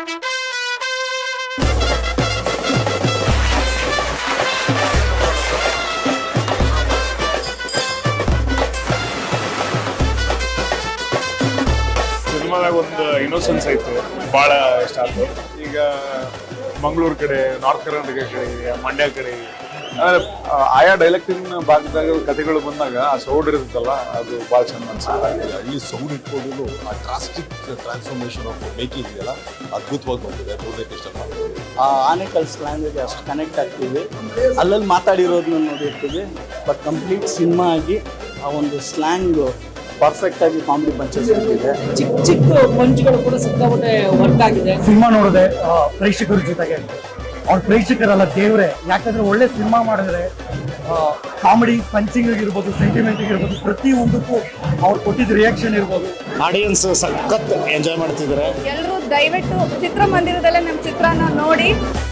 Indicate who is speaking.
Speaker 1: ಸಿನಿಮಾದಾಗ ಒಂದು ಇನ್ನೋಸೆನ್ಸ್ ಐತೆ, ಭಾಳ ಇಷ್ಟ ಆಯ್ತು. ಈಗ ಮಂಗಳೂರು ಕಡೆ, ನಾರ್ತ್ ಕರ್ನಾಟಕ ಕಡೆ, ಮಂಡ್ಯ ಕಡೆ ಆಯಾ ಡೈಲೆಕ್ಟಿನ ಭಾಗದಾಗ ಕಥೆಗಳು ಬಂದಾಗ ಆ ಸೌಂಡ್ ಇರುತ್ತಲ್ಲ, ಅದು ಭಾಳ ಚಂದ ಅನ್ಸುತ್ತೆ.
Speaker 2: ಹಳ್ಳಿ ಸೌಂಡ್ ಇಟ್ಕೊಂಡು ಆ ಡ್ರಾಸ್ಟಿಕ್ ಟ್ರಾನ್ಸ್ಫಾರ್ಮೇಶನ್ ಆಫ್ ಮೇಕಿಂಗ್ ಇದೆಯಲ್ಲ ಅದ್ಭುತವಾಗಿ ಬಂದಿದೆ. ಮೂರನೇ ಇಷ್ಟ ಮಾಡ್ತೀವಿ.
Speaker 3: ಆನೆಕಲ್ ಸ್ಲ್ಯಾಂಗ್ಗೆ ಅಷ್ಟು ಕನೆಕ್ಟ್ ಆಗ್ತೀವಿ, ಅಲ್ಲಲ್ಲಿ ಮಾತಾಡಿರೋದನ್ನ ನೋಡಿರ್ತೀವಿ. ಬಟ್ ಕಂಪ್ಲೀಟ್ ಸಿನಿಮಾ ಆಗಿ ಆ ಒಂದು ಸ್ಲ್ಯಾಂಗ್ ಪರ್ಫೆಕ್ಟ್ ಆಗಿ ಕಾಮಿಡಿ ಪಂಚಸ್ ಇದೆ.
Speaker 4: ಚಿಕ್ಕ ಚಿಕ್ಕ ಪಂಚ್ಗಳು ಕೂಡ ಸಿಕ್ಕಾಪಟ್ಟೆ ವರ್ಕ್ ಆಗಿದೆ.
Speaker 5: ಸಿನಿಮಾ ನೋಡಿದೆ ಪ್ರೇಕ್ಷಕರ ಜೊತೆಗೆ, ಅವ್ರ ಪ್ರೇಕ್ಷಕರಲ್ಲ ದೇವ್ರೆ. ಯಾಕಂದ್ರೆ ಒಳ್ಳೆ ಸಿನಿಮಾ ಮಾಡಿದ್ರೆ ಕಾಮಿಡಿ ಪಂಚಿಂಗ್ ಇರ್ಬೋದು, ಸೆಂಟಿಮೆಂಟ್ ಇರ್ಬೋದು, ಪ್ರತಿಯೊಂದಕ್ಕೂ ಅವ್ರು ಕೊಟ್ಟಿದ್ದ ರಿಯಾಕ್ಷನ್ ಇರ್ಬೋದು.
Speaker 3: ಆಡಿಯನ್ಸ್ ಸಖತ್ ಎಂಜಾಯ್ ಮಾಡ್ತಿದ್ದಾರೆ.
Speaker 6: ಎಲ್ಲರೂ ದಯವಿಟ್ಟು ಚಿತ್ರಮಂದಿರದಲ್ಲೇ ನಮ್ಮ ಚಿತ್ರನ ನೋಡಿ.